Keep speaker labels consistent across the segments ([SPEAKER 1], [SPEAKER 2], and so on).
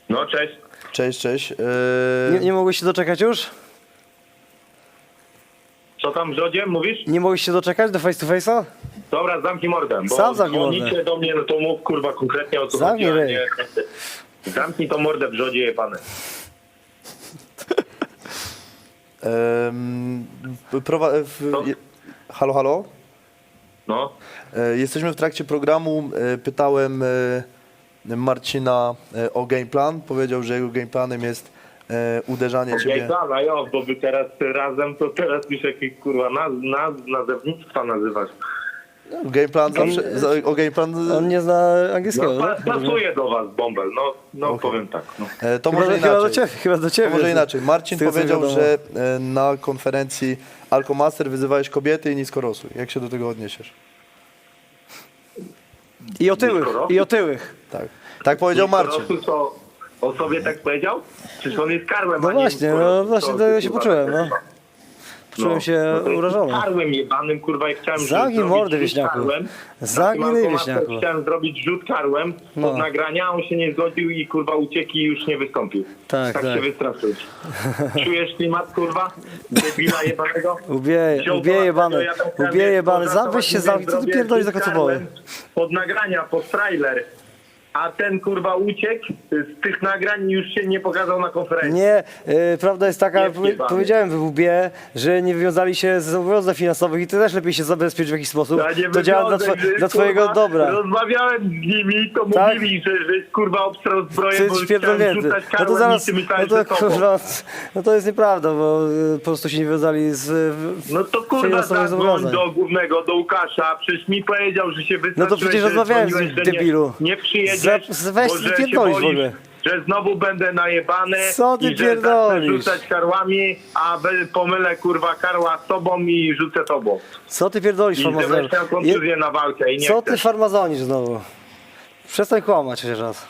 [SPEAKER 1] No, cześć.
[SPEAKER 2] Cześć, cześć.
[SPEAKER 3] Nie mogłeś się doczekać już?
[SPEAKER 1] Co tam w Rzodzie mówisz?
[SPEAKER 3] Nie mogłeś się doczekać do face to face'a?
[SPEAKER 1] Dobra, zamknij mordę, bo
[SPEAKER 3] Sam zamknij mordę.
[SPEAKER 1] dzwonicie do mnie, no to mów kurwa konkretnie o co
[SPEAKER 3] Zamknij
[SPEAKER 1] chodzi, a
[SPEAKER 3] ryj.
[SPEAKER 1] nie- Zamknij tą mordę w Rzodzie, jebany.
[SPEAKER 2] No. Halo, halo?
[SPEAKER 1] No.
[SPEAKER 2] Jesteśmy w trakcie programu. Pytałem Marcina o gameplan. Powiedział, że jego gameplanem jest uderzanie ciebie.
[SPEAKER 1] Plan, a jo, bo wy teraz razem, to teraz już jakieś kurwa nazewnictwa nazywasz.
[SPEAKER 2] Gameplan zawsze, o gameplan.
[SPEAKER 3] On nie zna angielskiego,
[SPEAKER 1] No,
[SPEAKER 3] tak?
[SPEAKER 1] pasuje do was, Bąbel, no
[SPEAKER 2] Okay.
[SPEAKER 1] powiem tak. No.
[SPEAKER 2] To
[SPEAKER 3] Chyba,
[SPEAKER 2] może
[SPEAKER 3] chyba do
[SPEAKER 2] inaczej.
[SPEAKER 3] ciebie. Chyba do ciebie.
[SPEAKER 2] To może inaczej. Marcin
[SPEAKER 3] Z tego, co
[SPEAKER 2] powiedział,
[SPEAKER 3] wiadomo.
[SPEAKER 2] że na konferencji Alkomaster wyzywałeś kobiety i niskorosłych. Jak się do tego odniesiesz?
[SPEAKER 3] I otyłych,
[SPEAKER 1] Niskorosłych?
[SPEAKER 3] i otyłych.
[SPEAKER 2] Tak. Tak powiedział Marcin.
[SPEAKER 1] Dorosły, co o sobie tak powiedział? Przecież on jest karłem,
[SPEAKER 3] No
[SPEAKER 1] a nie
[SPEAKER 3] właśnie,
[SPEAKER 1] niskorosły,
[SPEAKER 3] no właśnie
[SPEAKER 1] to
[SPEAKER 3] tego się
[SPEAKER 1] kurwa,
[SPEAKER 3] poczułem,
[SPEAKER 1] tak.
[SPEAKER 3] no. Poczułem się
[SPEAKER 1] to jest
[SPEAKER 3] urażony.
[SPEAKER 1] karłem jebanym, kurwa, i chciałem
[SPEAKER 3] Zamknij
[SPEAKER 1] zrobić
[SPEAKER 3] mordę,
[SPEAKER 1] rzut
[SPEAKER 3] wieśniaku.
[SPEAKER 1] karłem.
[SPEAKER 3] Zamknij
[SPEAKER 1] Na tym
[SPEAKER 3] wieśniaku.
[SPEAKER 1] automacie Chciałem zrobić rzut karłem
[SPEAKER 3] No.
[SPEAKER 1] pod nagrania, on się nie zgodził i kurwa uciekł i już nie wystąpił.
[SPEAKER 3] Tak, tak.
[SPEAKER 1] się wystraszyłeś. Czujesz klimat, kurwa? Debila jebanego?
[SPEAKER 3] Ubije jebany, ubije jebany. Weź się zamknij, co ty pierdolisz za kocopoły?
[SPEAKER 1] Pod nagrania, pod trailer. A ten kurwa uciekł z tych nagrań i już się nie pokazał na konferencji.
[SPEAKER 3] Nie, prawda jest taka,
[SPEAKER 1] Nie wjebany.
[SPEAKER 3] powiedziałem w WB, że nie wywiązali się z zobowiązań finansowych i ty też lepiej się zabezpieczyć w jakiś sposób.
[SPEAKER 1] Ja nie
[SPEAKER 3] To działa
[SPEAKER 1] wyglądam, że,
[SPEAKER 3] dla twojego
[SPEAKER 1] kurwa,
[SPEAKER 3] dobra.
[SPEAKER 1] Rozmawiałem z nimi, to
[SPEAKER 3] Tak?
[SPEAKER 1] mówili, że jest kurwa obstrał zbroję,
[SPEAKER 3] Ty
[SPEAKER 1] bo
[SPEAKER 3] jesteś
[SPEAKER 1] chciałem
[SPEAKER 3] pierdolnięty.
[SPEAKER 1] rzucać
[SPEAKER 3] No to
[SPEAKER 1] karłem
[SPEAKER 3] zaraz,
[SPEAKER 1] i ty myślałeś,
[SPEAKER 3] no
[SPEAKER 1] że
[SPEAKER 3] to
[SPEAKER 1] tobą.
[SPEAKER 3] kurwa, no to jest nieprawda, bo po prostu się nie wywiązali z
[SPEAKER 1] No to kurwa
[SPEAKER 3] finansowych
[SPEAKER 1] zadzwoń
[SPEAKER 3] zobowiązań.
[SPEAKER 1] do głównego, do Łukasza, przecież mi powiedział, że się wystraszyłeś,
[SPEAKER 3] No to przecież
[SPEAKER 1] że
[SPEAKER 3] rozmawiałem z
[SPEAKER 1] dzwoniłeś,
[SPEAKER 3] nim,
[SPEAKER 1] że nie-
[SPEAKER 3] debilu.
[SPEAKER 1] Nie przyjedziesz,
[SPEAKER 3] Weź
[SPEAKER 1] bo
[SPEAKER 3] ty
[SPEAKER 1] że się
[SPEAKER 3] pierdolisz w
[SPEAKER 1] boisz,
[SPEAKER 3] ogóle.
[SPEAKER 1] że znowu będę najebany
[SPEAKER 3] Co ty
[SPEAKER 1] i że zacznę
[SPEAKER 3] pierdolisz?
[SPEAKER 1] rzucać karłami, a pomylę kurwa karła z tobą i rzucę tobą.
[SPEAKER 3] Co ty pierdolisz,
[SPEAKER 1] I że
[SPEAKER 3] farmazonisz?
[SPEAKER 1] będę miał kontuzję na walkę i nie
[SPEAKER 3] Co
[SPEAKER 1] chcę.
[SPEAKER 3] ty farmazonisz znowu? Przestań kłamać chociaż raz.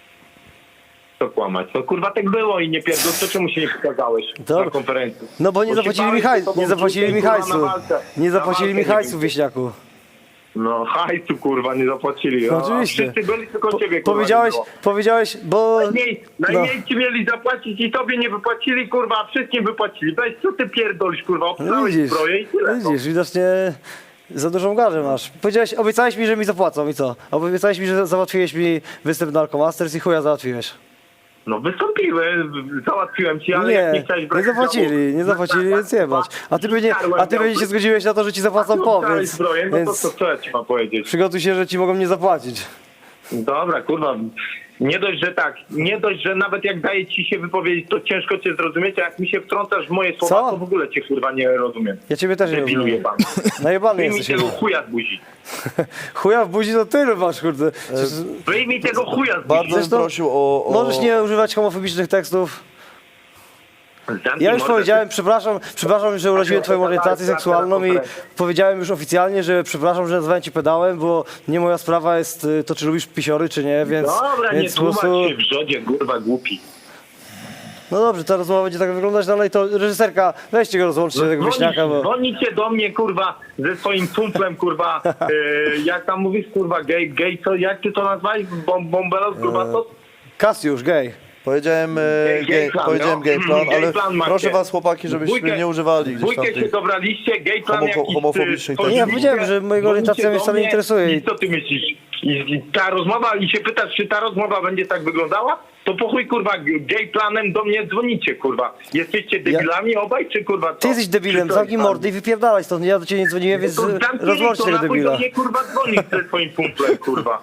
[SPEAKER 1] Co kłamać? No kurwa tak było i nie pierdol, to czemu się nie pokazałeś
[SPEAKER 3] Dobra.
[SPEAKER 1] na konferencji?
[SPEAKER 3] No bo nie
[SPEAKER 1] się
[SPEAKER 3] zapłacili mi
[SPEAKER 1] bałeś,
[SPEAKER 3] hajsu,
[SPEAKER 1] że tobą
[SPEAKER 3] nie zapłacili mi
[SPEAKER 1] kurwa, na
[SPEAKER 3] hajsu.
[SPEAKER 1] walce.
[SPEAKER 3] Nie
[SPEAKER 1] Na
[SPEAKER 3] zapłacili mi
[SPEAKER 1] walkę
[SPEAKER 3] hajsu,
[SPEAKER 1] nie
[SPEAKER 3] wieśniaku.
[SPEAKER 1] No hajsu kurwa nie zapłacili.
[SPEAKER 3] No
[SPEAKER 1] A
[SPEAKER 3] oczywiście.
[SPEAKER 1] wszyscy byli tylko ciebie kurwa.
[SPEAKER 3] Powiedziałeś, bo...
[SPEAKER 1] Najmniej ci mieli zapłacić i tobie nie wypłacili, kurwa, a wszystkim wypłacili. Weź, co ty pierdolisz, kurwa,
[SPEAKER 3] No
[SPEAKER 1] obstałeś
[SPEAKER 3] widzisz,
[SPEAKER 1] zbroję i tyle. no.
[SPEAKER 3] widzisz, widocznie za dużą garzę masz. Obiecałeś mi, że mi zapłacą i co? Obiecałeś mi, że załatwiłeś mi występ na Alkomasters i chuja załatwiłeś.
[SPEAKER 1] No wystąpiły, załatwiłem ci, ale jak nie chciałeś
[SPEAKER 3] Nie
[SPEAKER 1] brać
[SPEAKER 3] zapłacili, nie zapłacili, więc jebać. A ty pewnie się zgodziłeś na to, że ci zapłacą po, więc,
[SPEAKER 1] zbroję, no to
[SPEAKER 3] więc
[SPEAKER 1] co ja ci mam powiedzieć?
[SPEAKER 3] przygotuj się, że ci mogą nie zapłacić.
[SPEAKER 1] Dobra, kurwa, nie dość, że nawet jak daje ci się wypowiedzieć, to ciężko cię zrozumieć, a jak mi się wtrącasz w moje słowa,
[SPEAKER 3] Co?
[SPEAKER 1] to w ogóle cię kurwa nie rozumiem.
[SPEAKER 3] Ja ciebie też nie
[SPEAKER 1] Debilu
[SPEAKER 3] rozumiem.
[SPEAKER 1] jebany.
[SPEAKER 3] Najebany
[SPEAKER 1] Wyjmij
[SPEAKER 3] jesteś.
[SPEAKER 1] tego chuja z buzi.
[SPEAKER 3] Chuja w buzi to ty masz, kurde.
[SPEAKER 1] Wyjmij tego chuja z buzi.
[SPEAKER 2] Bardzo bym
[SPEAKER 3] Zresztą
[SPEAKER 2] prosił o...
[SPEAKER 3] Możesz nie używać homofobicznych tekstów.
[SPEAKER 1] Zamknij
[SPEAKER 3] Ja już
[SPEAKER 1] mordę,
[SPEAKER 3] powiedziałem, przepraszam, że uraziłem twoją orientację seksualną i powiedziałem już oficjalnie, że przepraszam, że nazwałem cię pedałem, bo nie moja sprawa jest to, czy lubisz pisiory, czy nie, więc...
[SPEAKER 1] Dobra, nie
[SPEAKER 3] więc po
[SPEAKER 1] tłumacz
[SPEAKER 3] prostu...
[SPEAKER 1] się w Rzodzie, kurwa, głupi.
[SPEAKER 3] No dobrze, ta rozmowa będzie tak wyglądać dalej, to reżyserka, weźcie go rozłączcie tego wieśniaka, bo...
[SPEAKER 1] Dzwonicie do mnie, kurwa, ze swoim cumplem, kurwa, jak tam mówisz, kurwa, gej, co, jak ty to nazwałeś? Bąbelos, kurwa, co?
[SPEAKER 3] Kasiusz, gej.
[SPEAKER 2] Powiedziałem,
[SPEAKER 1] Gameplan,
[SPEAKER 2] powiedziałem
[SPEAKER 1] no.
[SPEAKER 2] gameplan, ale
[SPEAKER 1] Gameplan macie.
[SPEAKER 2] proszę was chłopaki, żebyśmy nie używali gdzieś tam
[SPEAKER 1] Dwójkę się
[SPEAKER 2] tych...
[SPEAKER 1] dobraliście, gejplan jakiś...
[SPEAKER 2] homofobicznych
[SPEAKER 3] Nie, ja powiedziałem, że mojego orientacja mnie wcale nie interesuje.
[SPEAKER 1] I co ty myślisz? I ta rozmowa, i się pytasz, czy ta rozmowa będzie tak wyglądała? To po chuj, kurwa, gejplanem do mnie dzwonicie, kurwa. Jesteście debilami obaj, czy kurwa co?
[SPEAKER 3] Ty jesteś debilem,
[SPEAKER 1] Czy co
[SPEAKER 3] zamknij
[SPEAKER 1] jest
[SPEAKER 3] mordy i wypierdalaj stąd, ja do ciebie nie dzwoniłem, więc
[SPEAKER 1] to zamknij
[SPEAKER 3] rozłączcie
[SPEAKER 1] to,
[SPEAKER 3] tego
[SPEAKER 1] na chuj
[SPEAKER 3] debila.
[SPEAKER 1] do mnie, kurwa, dzwonić ze swoim kumplem, kurwa.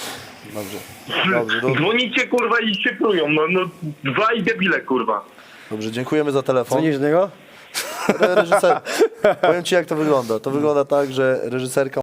[SPEAKER 2] Dobrze,
[SPEAKER 1] Dzwonicie, kurwa, i się prują, no dwaj debile, kurwa.
[SPEAKER 2] dobrze, dziękujemy za telefon.
[SPEAKER 3] Dzwonisz do niego?
[SPEAKER 2] Reżyser, powiem ci jak to wygląda. To wygląda tak, że reżyserka